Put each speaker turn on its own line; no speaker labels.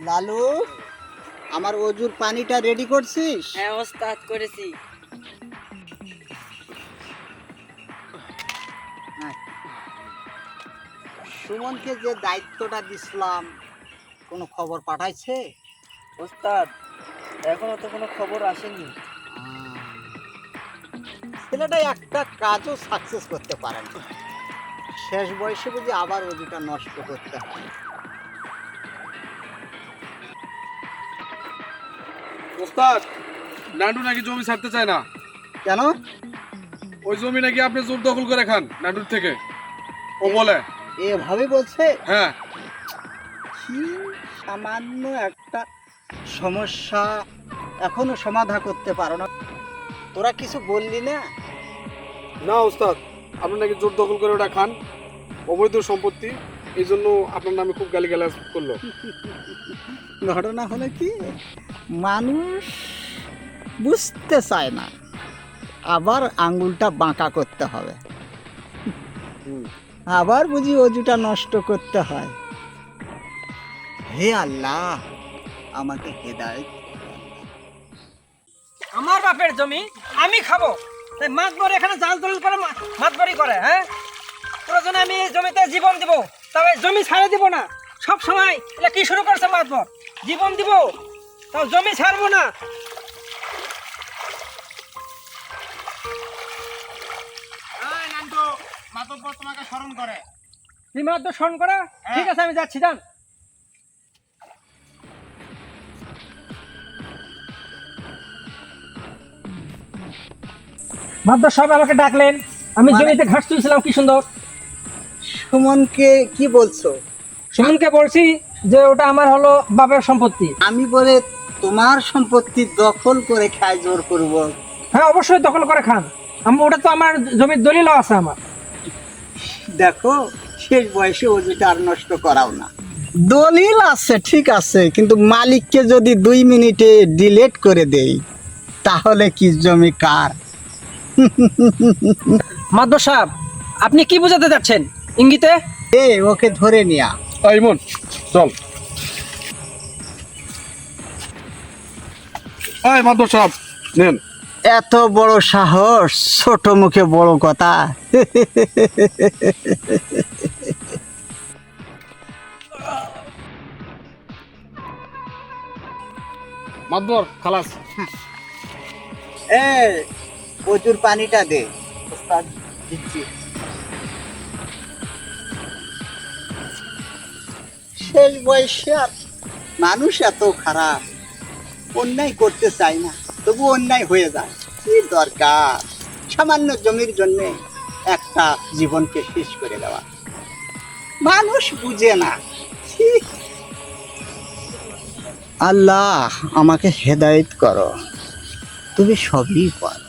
লালু, আমার অজুর পানিটা রেডি করছিস?
হ্যাঁ ওস্তাদ, করেছি।
সুমনকে যে দায়িত্বটা দিছিলাম, কোনো খবর পাঠাইছে?
ওস্তাদ, এখনো তো কোনো খবর আসেনি।
ছেলেটা একটা কাজও সাকসেস করতে পারে না। শেষ বয়সে বুঝি আবার অজুটা নষ্ট করতে হয়।
ওস্তাদ, নান্টু নাকি জমি ছাড়তে চায় না।
কেন?
ওই জমি নাকি আপনি জোর দখল করে খান নান্টুর থেকে, ও বলে।
এভাবে বলছে?
হ্যাঁ।
কি সামান্য একটা সমস্যা এখনো সমাধান করতে পারো না? তোরা কিছু বললি না?
না ওস্তাদ, আপনি নাকি জোর দখল করে ওটা খান, অবৈধ সম্পত্তি, এই জন্য আপনার নামে খুব গালিগালাজ করলো।
ঘটনা হলো কি, মানুষ বুঝতে চায় না, আবার আঙ্গুলটা বাঁকা করতে হবে, আবার বুঝি অজুটা নষ্ট করতে হয়। হে আল্লাহ, আমাকে হেদায়েত।
আমার বাপের জমি আমি খাবো, তাই মাতবর এখানে জাল দলিল করে মাতবরি করে। হ্যাঁ, প্রয়োজনে আমি এই জমিতে জীবন দিব, তবে জমি ছাড়ে দিব না। সব সময় এটা কি শুরু করছে মাতবর, জীবন দিব তাও জমি ছাড়বো না।
তোমাকে স্মরণ করে।
তুমি মাতবর স্মরণ করা? ঠিক আছে, আমি যাচ্ছি, যান। মাতবর সব আমাকে ডাকলেন, আমি জমিতে ঘাস তুলছিলাম, কি সুন্দর।
সুমনকে কি বলছো?
সুমনকে বলছি যে ওটা আমার হলো বাপের সম্পত্তি।
আমি বলে তোমার সম্পত্তি দখল করে খায় জোর করব?
হ্যাঁ, অবশ্যই দখল করে খান, ওটা তো আমার জমির দলিলও আছে আমার।
দেখো, শেষ বয়সে অজুটা আর নষ্ট করাও না। দলিল আছে ঠিক আছে, কিন্তু মালিককে যদি 2 মিনিটে ডিলেট করে দেই, তাহলে কি জমি কার?
মাদবর সাহেব, আপনি কি বোঝাতে যাচ্ছেন ইঙ্গিতে?
ওকে ধরে নিয়া।
ইমন, চল। মাধব সাহেব, নেন।
এত বড় সাহস, ছোট মুখে বড় কথা।
মাধবর, খালাস।
প্রচুর পানিটা দে। ওস্তাদ, দিচ্ছি। শেষ বয়সে আর মানুষ এত খারাপ, অন্যায় করতে চায় না, তবু অন্যায় হয়ে যায়। কি দরকার সামান্য জমির জন্য একটা জীবনকে শেষ করে দেওয়া? মানুষ বুঝে না। আল্লাহ, আমাকে হেদায়েত করো, তুমি সবই পারো।